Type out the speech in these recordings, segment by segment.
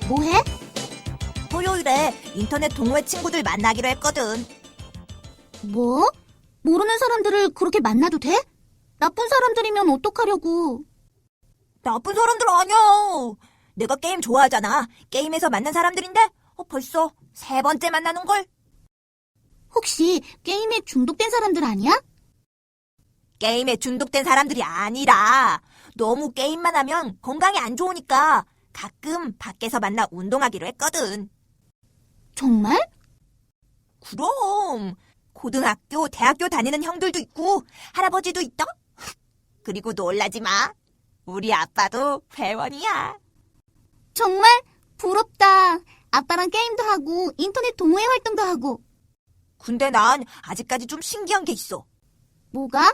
뭐해? 토요일에 인터넷 동호회 친구들 만나기로 했거든. 뭐? 모르는 사람들을 그렇게 만나도 돼? 나쁜 사람들이면 어떡하려고. 나쁜 사람들 아니야. 내가 게임 좋아하잖아. 게임에서 만난 사람들인데 벌써 3번째 만나는걸? 혹시 게임에 중독된 사람들 아니야? 게임에 중독된 사람들이 아니라 너무 게임만 하면 건강에 안 좋으니까 가끔 밖에서 만나 운동하기로 했거든. 정말? 그럼 고등학교, 대학교 다니는 형들도 있고 할아버지도 있다. 그리고 놀라지 마. 우리 아빠도 회원이야. 정말? 부럽다. 아빠랑 게임도 하고 인터넷 동호회 활동도 하고. 근데 난 아직까지 좀 신기한 게 있어. 뭐가?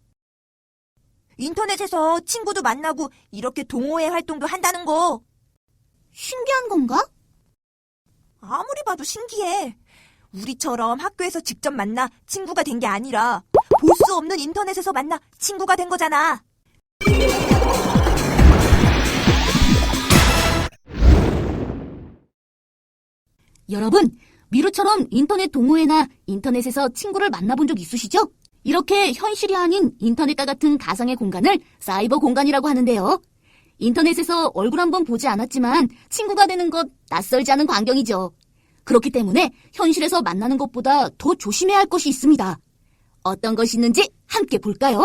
인터넷에서 친구도 만나고 이렇게 동호회 활동도 한다는 거. 신기한 건가? 아무리 봐도 신기해. 우리처럼 학교에서 직접 만나 친구가 된 게 아니라 볼 수 없는 인터넷에서 만나 친구가 된 거잖아. 여러분, 미루처럼 인터넷 동호회나 인터넷에서 친구를 만나본 적 있으시죠? 이렇게 현실이 아닌 인터넷과 같은 가상의 공간을 사이버 공간이라고 하는데요. 인터넷에서 얼굴 한번 보지 않았지만 친구가 되는 것 낯설지 않은 광경이죠. 그렇기 때문에 현실에서 만나는 것보다 더 조심해야 할 것이 있습니다. 어떤 것이 있는지 함께 볼까요?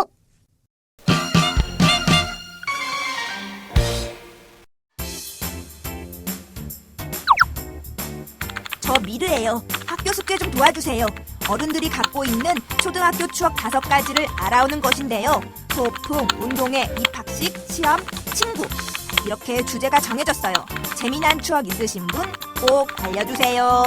저 미르예요. 학교 숙제 좀 도와주세요. 어른들이 갖고 있는 초등학교 추억 5가지를 알아오는 것인데요. 소풍, 운동회, 입학식, 시험, 친구. 이렇게 주제가 정해졌어요. 재미난 추억 있으신 분 꼭 알려주세요.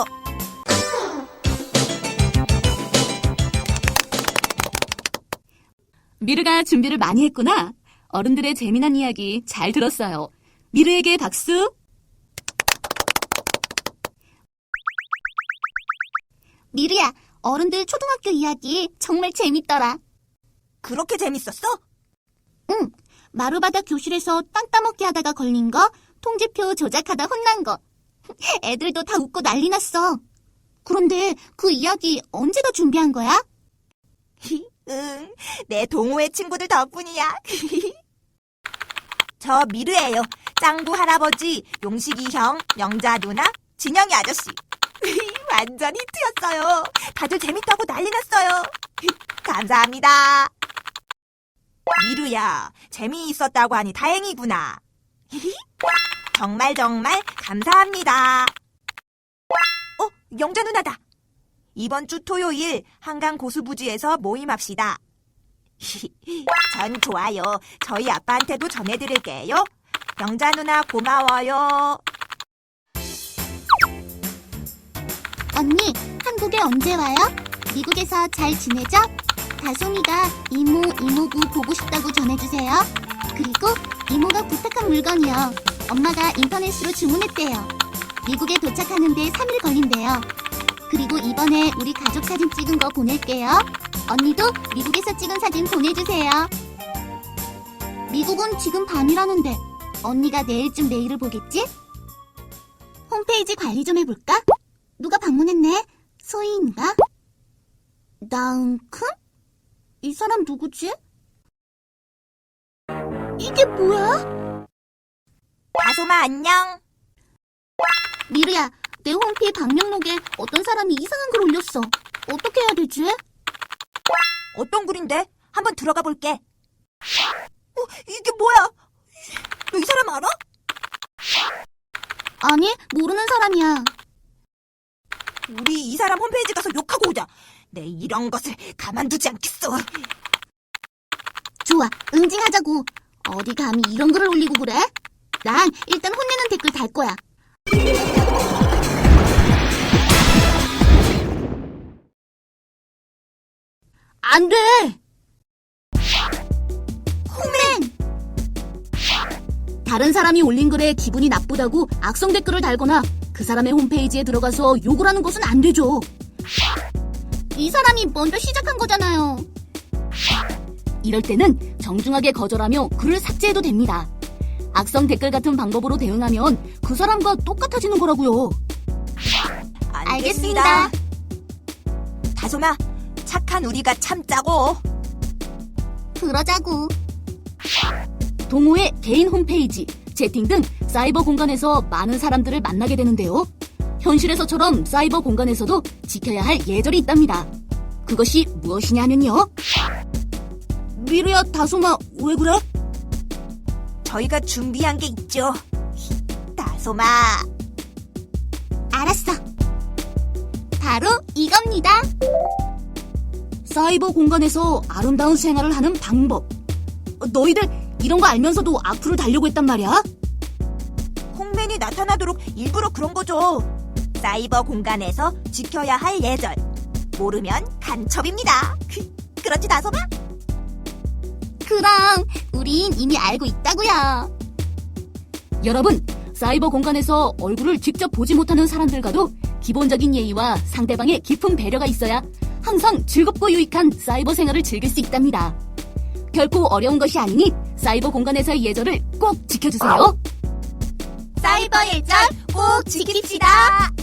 미르가 준비를 많이 했구나. 어른들의 재미난 이야기 잘 들었어요. 미르에게 박수. 미르야, 어른들 초등학교 이야기 정말 재밌더라. 그렇게 재밌었어? 응, 마루바닥 교실에서 땅 따먹기 하다가 걸린 거, 통지표 조작하다 혼난 거. 애들도 다 웃고 난리 났어. 그런데 그 이야기 언제가 준비한 거야? 응, 내 동호회 친구들 덕분이야. 저 미르예요. 짱구 할아버지, 용식이 형, 영자 누나, 진영이 아저씨. 완전 히트였어요. 다들 재밌다고 난리 났어요. 감사합니다. 미루야, 재미있었다고 하니 다행이구나. 정말 감사합니다. 영자 누나다. 이번 주 토요일 한강 고수부지에서 모임합시다. 전 좋아요. 저희 아빠한테도 전해드릴게요. 영자 누나 고마워요. 언니, 한국에 언제 와요? 미국에서 잘 지내죠? 다솜이가 이모, 이모부 보고 싶다고 전해주세요. 그리고 이모가 부탁한 물건이요. 엄마가 인터넷으로 주문했대요. 미국에 도착하는데 3일 걸린대요. 그리고 이번에 우리 가족 사진 찍은 거 보낼게요. 언니도 미국에서 찍은 사진 보내주세요. 미국은 지금 밤이라는데 언니가 내일쯤 메일을 보겠지? 홈페이지 관리 좀 해볼까? 누가 방문했네? 소희인가? 나은큰? 이 사람 누구지? 이게 뭐야? 다솜아 안녕. 미르야, 내 홈피 방명록에 어떤 사람이 이상한 글 올렸어. 어떻게 해야 되지? 어떤 글인데? 한번 들어가 볼게. 이게 뭐야? 너 이 사람 알아? 아니, 모르는 사람이야. 우리 이 사람 홈페이지 가서 욕하고 오자. 내 이런 것을 가만두지 않겠어. 좋아, 응징하자고. 어디 감히 이런 글을 올리고 그래? 난 일단 혼내는 댓글 달 거야. 안 돼! 홈맨! 다른 사람이 올린 글에 기분이 나쁘다고 악성 댓글을 달거나 그 사람의 홈페이지에 들어가서 욕을 하는 것은 안 되죠. 이 사람이 먼저 시작한 거잖아요. 이럴 때는 정중하게 거절하며 글을 삭제해도 됩니다. 악성 댓글 같은 방법으로 대응하면 그 사람과 똑같아지는 거라고요. 알겠습니다. 다솜아, 착한 우리가 참자고. 그러자고. 동호회 개인 홈페이지, 채팅 등 사이버 공간에서 많은 사람들을 만나게 되는데요. 현실에서처럼 사이버 공간에서도 지켜야 할 예절이 있답니다. 그것이 무엇이냐면요. 미루야, 다솜아, 왜 그래? 저희가 준비한 게 있죠. 다솜아. 알았어. 바로 이겁니다. 사이버 공간에서 아름다운 생활을 하는 방법. 너희들 이런 거 알면서도 악플을 달려고 했단 말이야? 홍맨이 나타나도록 일부러 그런 거죠. 사이버 공간에서 지켜야 할 예절. 모르면 간첩입니다. 그렇지, 다솜아? 그럼 우린 이미 알고 있다고요. 여러분, 사이버 공간에서 얼굴을 직접 보지 못하는 사람들과도 기본적인 예의와 상대방의 깊은 배려가 있어야 항상 즐겁고 유익한 사이버 생활을 즐길 수 있답니다. 결코 어려운 것이 아니니 사이버 공간에서의 예절을 꼭 지켜주세요. 사이버 예절 꼭 지킵시다.